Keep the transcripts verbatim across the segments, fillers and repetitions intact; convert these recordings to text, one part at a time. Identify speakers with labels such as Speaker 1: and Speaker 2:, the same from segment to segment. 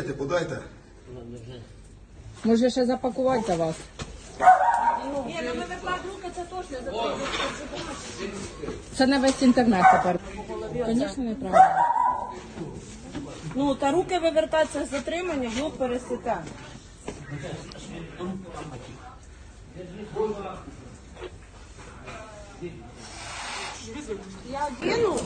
Speaker 1: пакети подайте.
Speaker 2: Може ще запакувати за вас?
Speaker 3: Ні, ну ми виклад руки, це точно. За це
Speaker 2: Це не весь інтернет тепер. Звісно, неправильно.
Speaker 3: Ну, та руки вивертатися з затримання, глуп пересіте. Я одіну.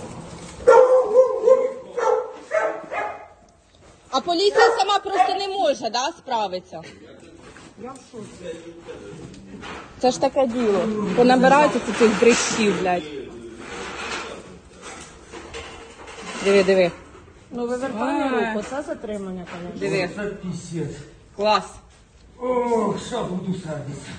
Speaker 2: А поліція сама просто не може, да, справитися?
Speaker 3: Я в шоці.
Speaker 2: Це ж таке діло. Понабираються цих дрищів, блядь. Диви, диви.
Speaker 3: Ну, вивертання руку, це затримання, звісно.
Speaker 2: Диви.
Speaker 4: Це пісець.
Speaker 2: Клас.
Speaker 4: О, що буду садитися.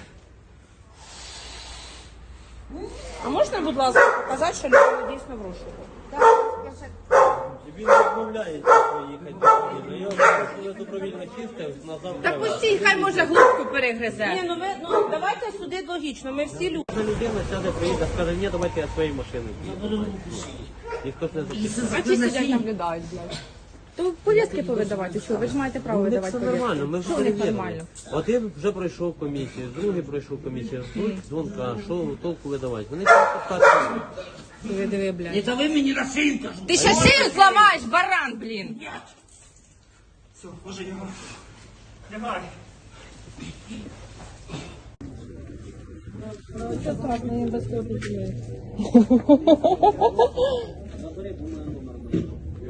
Speaker 3: А можна, будь ласка, показати, що людина дійсно в розшуку?
Speaker 5: Він відмовляється поїхати до країни. Я вже добровільно чистив, назад.
Speaker 2: Та пустіть, хай може глубку перегризе.
Speaker 3: Ні, ну ви, ну давайте судити логічно, ми всі люди.
Speaker 5: Ця людина сяде, приїде, скаже, ні, давайте я своєю машиною поїду. Ніхто не запитає.
Speaker 2: А ті сидять наблюдають, блядь. То повістки повидавати, що? Ви ж маєте право
Speaker 5: Ну,
Speaker 2: видавати
Speaker 5: це
Speaker 2: повістки.
Speaker 5: нормально, ми вже
Speaker 2: Що в них
Speaker 5: перевірили.
Speaker 2: нормально?
Speaker 5: Один вже пройшов комісію, другий пройшов комісію, ждуть дзвонка, що толку видавати. Вони просто так.
Speaker 2: Диви, диви, блядь.
Speaker 4: Не дави мені на шию, кажу.
Speaker 2: Ти ще шию зламаєш, баран, блін.
Speaker 4: Все, може його. Давай.
Speaker 2: Що так, мені без копії.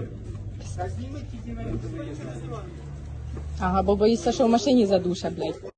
Speaker 2: Ага, бо боїшся, що в машині задуша, блядь.